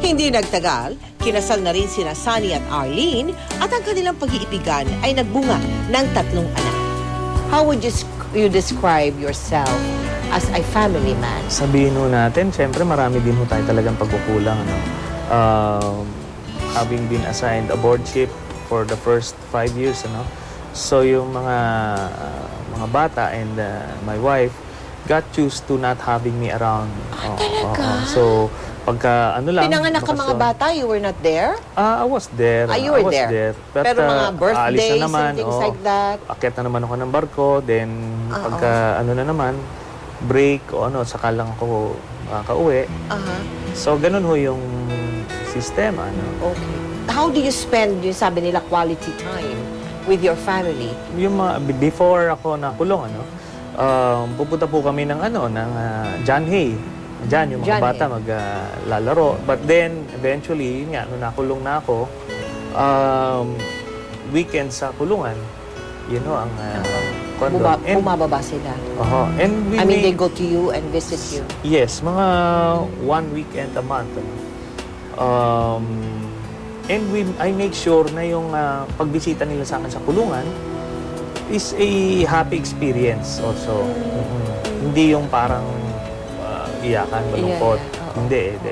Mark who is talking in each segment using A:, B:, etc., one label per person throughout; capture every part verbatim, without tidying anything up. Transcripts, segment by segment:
A: Hindi nagtagal, kinasal na rin sina Sunny at Arlene at ang kanilang pag-iibigan ay nagbunga ng tatlong anak. How would you, you describe yourself as a family man?
B: Sabihin ho natin, syempre marami din ho tayo talagang pagkukulang. Ano? Um, having been assigned a board ship for the first five years, ano? So yung mga uh, mga bata and uh, my wife got used to not having me around.
A: Ah,
B: oh,
A: talaga?
B: Oh, oh. So pagka ano lang,
A: pinanganak ka mga bata, you were not there?
B: Ah, uh, I was there.
A: Ah, you were
B: I was
A: there.
B: there. But,
A: pero mga birthdays
B: na naman,
A: and things
B: oh,
A: like that?
B: Akit na naman ako ng barko, then uh-oh. Pagka ano na naman, break o ano, saka lang ako makaka-uwi.
A: Uh-huh.
B: So, ganun ho yung sistema. Ano?
A: Okay. How do you spend yung sabi nila quality time with your family?
B: Yung mga, before ako nakulong, ano, um, pupunta po kami ng ano, ng uh, John Hay. Diyan, yung mga
A: John
B: bata maglalaro. Uh, But then, eventually, yun nga, nung nakulong na ako, um, weekend sa kulungan, you know, ang uh, condo.
A: Buma
B: And,
A: bumababa sila?
B: Uh-huh. And we
A: I mean,
B: make,
A: they go to you and visit you?
B: Yes, mga one weekend a month. Ano. Um, and we, I make sure na yung uh, pagbisita nila sa akin sa kulungan is a happy experience also. Mm-hmm. Hindi yung parang iyakan, malungkot.
A: Yeah, yeah.
B: Hindi, hindi.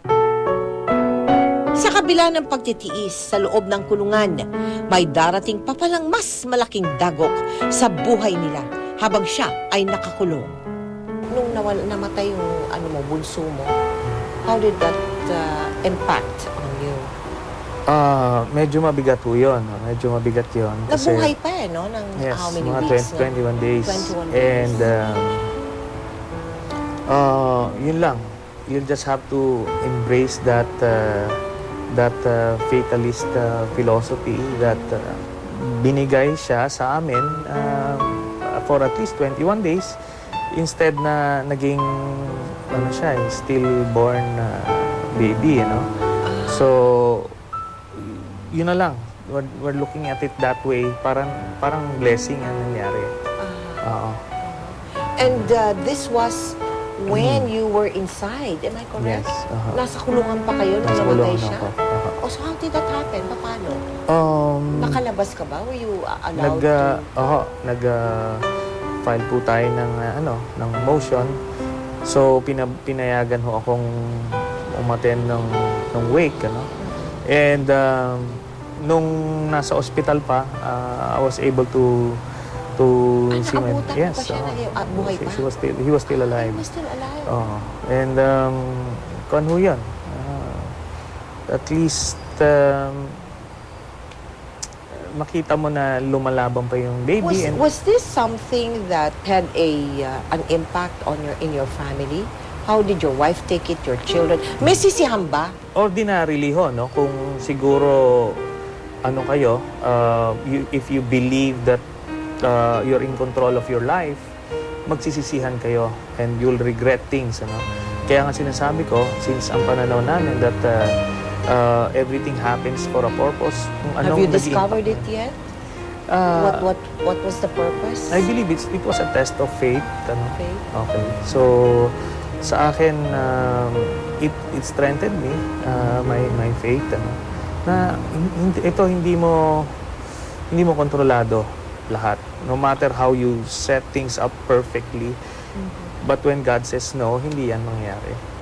A: Sa kabila ng pagtitiis sa loob ng kulungan, may darating pa palang mas malaking dagok sa buhay nila habang siya ay nakakulong. Nung nawala, namatay yung ano mo, bunso mo, how did that uh, impact on you?
B: Ah, uh, medyo mabigat po yun. Medyo mabigat yun. Kasi,
A: nabuhay pa eh, no? Ng
B: yes,
A: how many
B: mga
A: weeks?
B: twenty-one days.
A: twenty-one days.
B: And, um, Uh, yun lang. You'll just have to embrace that uh, that uh, fatalist uh, philosophy that uh, binigay siya sa amin uh, for at least twenty-one days instead na naging ano siya, stillborn uh, baby, you know. So yun na lang. We're, we're looking at it that way. Parang parang blessing ang nangyari. Uh, uh,
A: and uh, this was when mm. you were inside, am I correct?
B: Yes. Uh-huh.
A: Nasa kulungan pa kayo nung
B: Nasa
A: namatay
B: kulungan
A: siya?
B: ako. Uh-huh.
A: Oh, so how did that happen? Paano?
B: Um,
A: Nakalabas ka ba? Were you uh, allowed
B: nag, uh,
A: to?
B: Oo, nag uh, file po tayo ng uh, ano, ng motion. So pina, pinayagan ho akong umattend ng ng wake, ano. And um, nung nasa ospital pa, uh, I was able to to
A: ah,
B: see my
A: yes,
B: yes,
A: pa siya
B: uh,
A: uh, buhay
B: she,
A: pa?
B: she was still he was still alive.
A: He was still alive.
B: Oh, and um kuan ho 'yan. Uh, at least um, makita mo na lumalaban pa yung baby.
A: Was,
B: and
A: was this something that had a uh, an impact on your in your family? How did your wife take it, your children? May sisihan ba?
B: Ordinarily ho, no? Kung siguro ano kayo, uh, you, if you believe that Uh, you're in control of your life, magsisisihan kayo and you'll regret things, ano? Kaya nga sinasabi ko, since ang pananaw namin that uh, uh, everything happens for a purpose. Kung
A: Have you discovered it yet?
B: Uh,
A: what what what was the purpose?
B: I believe it's, it was a test of faith. Ano?
A: Faith?
B: Okay. So, sa akin, um, it, it strengthened me, uh, my, my faith, ano? Na hindi, ito hindi mo hindi mo kontrolado lahat. No matter how you set things up perfectly. Mm-hmm. But when God says no, hindi yan mangyayari.